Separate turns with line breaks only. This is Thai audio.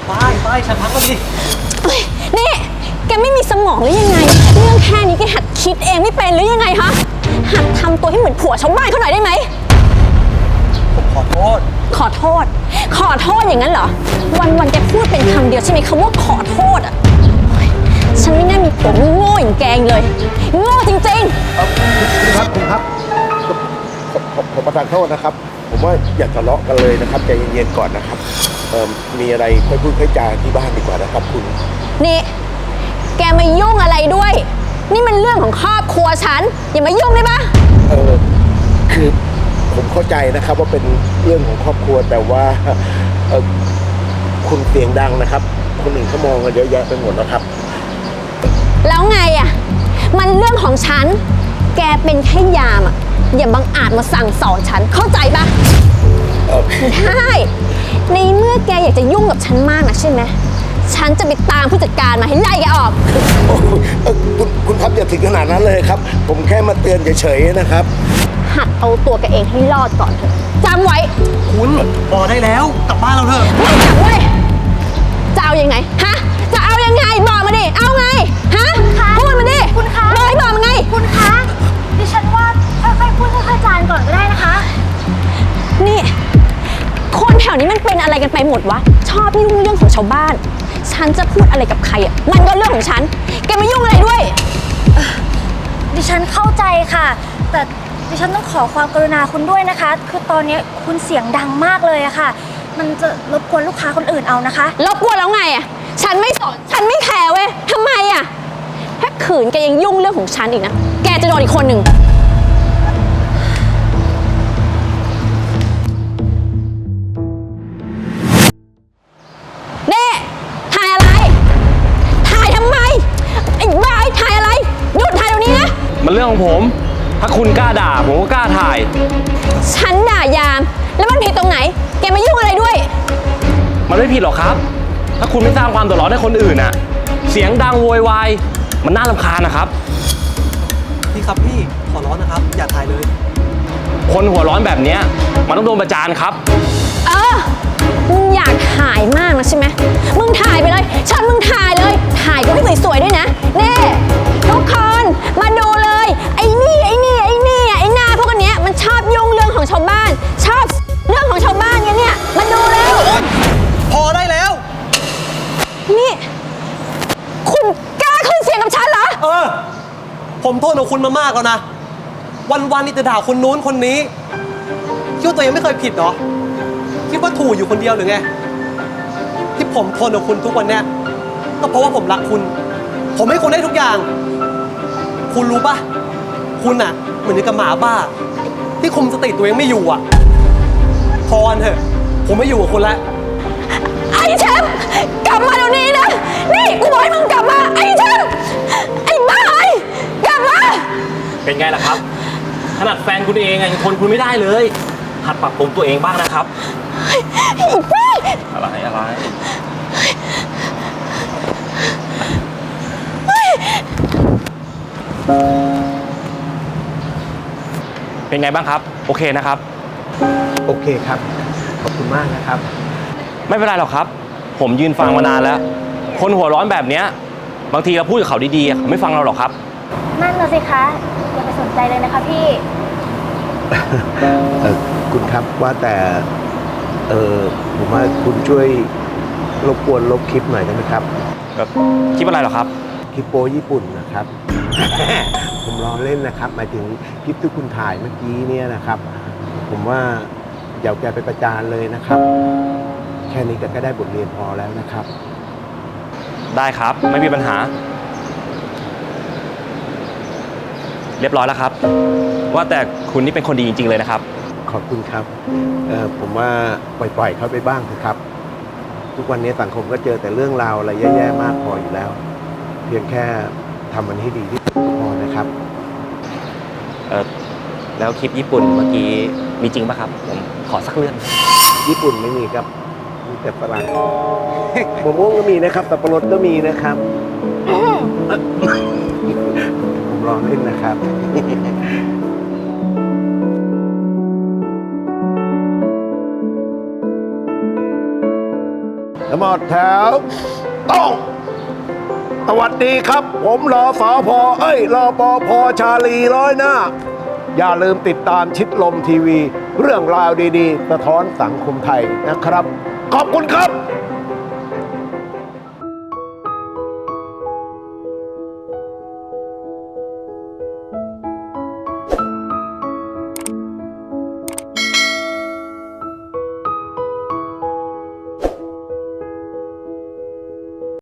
ไปฉันพักก็สิ
นี่แกไม่มีสมองหรือยังไงเรื่องแค่นี้แกหัดคิดเองไม่เป็นหรือยังไงฮะหัดทำตัวให้เหมือนผัวชาวบ้านเขาหน่อยได้ไหม
ผมขอโทษ
ขอโทษอย่างนั้นเหรอวันแกพูดเป็นคำเดียวใช่ไหมคำว่าขอโทษอ่ะฉันไม่น่ามีผัวโง่อย่างแกเลยโง่จริง
คุณครับผมประทานโทษนะครับผมว่าอย่าทะเลาะกันเลยนะครับใจเย็นๆก่อนนะครับมีอะไรค่อยพูดค่อยจาที่บ้านดีกว่านะครับคุณ
นี่แกมายุ่งอะไรด้วยนี่มันเรื่องของครอบครัวฉันอย่ามายุ่งได้ปะ
คือผมเข้าใจนะครับว่าเป็นเรื่องของครอบครัวแต่ว่าคุณเสียงดังนะครับคนอื่นเขามองกันเยอะแยะไปหมดแล้วครับ
แล้วไงอ่ะมันเรื่องของฉันแกเป็นแค่ยามอ่ะอย่าบังอาจมาสั่งสอนฉันเข้าใจปะได้ในเมื่อแกอยากจะยุ่งกับฉันมากนะใช่ไหมฉันจะไปตามผู้จัดการมาให้ไล่แกออก
คุณครับอย่าถึงขนาดนั้นเลยครับผมแค่มาเตือนเฉยๆนะครับ
หัดเอาตัวแกเองให้รอดก่อนเถอะจำไว้
คุณพอได้แล้วกลับบ้านเราเถอะ
ไม่กลับเว้ยจะเอายังไงฮะจะเอายังไงบอกมาดิเอาไงฮะพูดมาดิ
คุณคะ
บอกมาไง
คุณคะดิฉันว่าค่อยๆพูดค่อยๆจานก่อนก็ได้นะคะ
นี่คนแถวนี้มันเป็นอะไรกันไปหมดวะชอบยุ่งเรื่องของชาวบ้านฉันจะพูดอะไรกับใครอ่ะมันก็เรื่องของฉันแกมายุ่งอะไรด้วย
ดิฉันเข้าใจค่ะแต่ดิฉันต้องขอความกรุณาคุณด้วยนะคะคือตอนนี้คุณเสียงดังมากเลยอะค่ะมันจะรบกวนลูกค้าคนอื่นเอานะคะ
รบกวนแล้วไงอ่ะฉันไม่สนฉันไม่แคร์เว้ยทำไมอ่ะถ้าขืนแกยังยุ่งเรื่องของฉันอีกนะแกจะโดนอีกคนหนึ่ง
มันเรื่องของผมถ้าคุณกล้าด่าผมก็กล้าถ่าย
ฉันด่ายามแล้วมันผิดตรงไหนแกมายุ่งอะไรด้วย
มันไม่ผิดหรอกครับถ้าคุณไม่สร้างความเดือดร้อนให้คนอื่นน่ะเสียงดังโวยวายมันน่ารำคาญนะครับ
พี่ครับพี่ขอร้อนนะครับอย่าถ่ายเลย
คนหัวร้อนแบบนี้มันต้องโดนประจานครับ
มึงอยากถ่ายมากนะใช่ไหมมึงถ่ายไปเลยฉันมึงถ่ายเลยถ่ายก็ให้สวยๆด้วยนะเน่ทุกคนมาดูเลยไอ้หน้าพวกนี้มันชอบยุ่งเรื่องของชาวบ้านชอบเรื่องของชาวบ้านกันเนี่ยมาดูเลย
พอได้แล้ว
นี่คุณกล้าขึ้นเสียงกับฉันเหรอ
ผมโทษของคุณมามากแล้วนะวันๆนี่จะด่าคนนู้นคนนี้คิดว่าตัวเองไม่เคยผิดเหรอคิดว่าถูกอยู่คนเดียวหรือไงที่ผมทนกับคุณทุกวันเนี้ยก็เพราะว่าผมรักคุณผมให้คุณได้ทุกอย่างคุณรู้ปะคุณอะเหมือนกับหมาบ้าที่คุมสติตัวเองไม่อยู่อะพอเถอะผมไม่อยู่กับคุณแล้ว
ไอ้แชมป์กลับมาเดี๋ยวนี้นะนี่กูบอกให้มึงกลับมาไอ้แชมป์ไอ้บ้ากลับมา
เป็นไงล่ะครับขนาดแฟนคุณเองยังทนคุณไม่ได้เลยหัดปรับปรุงตัวเองบ้างนะครับอะไรเป็นไงบ้างครับโอเคนะครับ
โอเคครับขอบคุณมากนะครับ
ไม่เป็นไรหรอกครับผมยืนฟังมานานแล้วคนหัวร้อนแบบนี้บางทีเราพูดกับเขาดีๆเขาไม่ฟังเราหรอกครับ
นั่นน่ะสิคะอย่าไปสนใจเลยนะคะพี่
คุณครับว่าแต่ผมว่าคุณช่วยรบกวนลบคลิปหน่อยได้ไหมครับ
คลิปอะไรหรอครับ
คลิปโป้ญี่ปุ่นนะครับ ผมล้อเล่นนะครับหมายถึงคลิปที่คุณถ่ายเมื่อกี้เนี่ยนะครับผมว่าอย่าแกไปประจานเลยนะครับแค่นี้ก็ได้บทเรียนพอแล้วนะครับ
ได้ครับไม่มีปัญหาเรียบร้อยแล้วครับว่าแต่คุณนี่เป็นคนดีจริงๆเลยนะครับ
ขอบคุณครับผมว่าปล่อยเขาไปบ้างเถอะครับทุกวันนี้สังคมก็เจอแต่เรื่องราวอะไรแย่ๆมากพออยู่แล้วเพียงแค่ทำมันให้ดีที่สุดพอนะครับ
แล้วคลิปญี่ปุ่นเมื่อกี้มีจริงป่ะครับผมขอสักเรื่อง
ญี่ปุ่นไม่มีครับมีแต่ฝรั่งมะม่วงก็มีนะครับสับปะรดก็มีนะครับผมลองเล่นนะครับทั้งหมดแถวต้องสวัสดีครับ ผมรอสอพอรอปอพอชาลีร้อยหน้า อย่าลืมติดตามชิดลมทีวี เรื่องราวดีๆ สะท้อนสังคมไทยนะครับ ขอบคุณครับ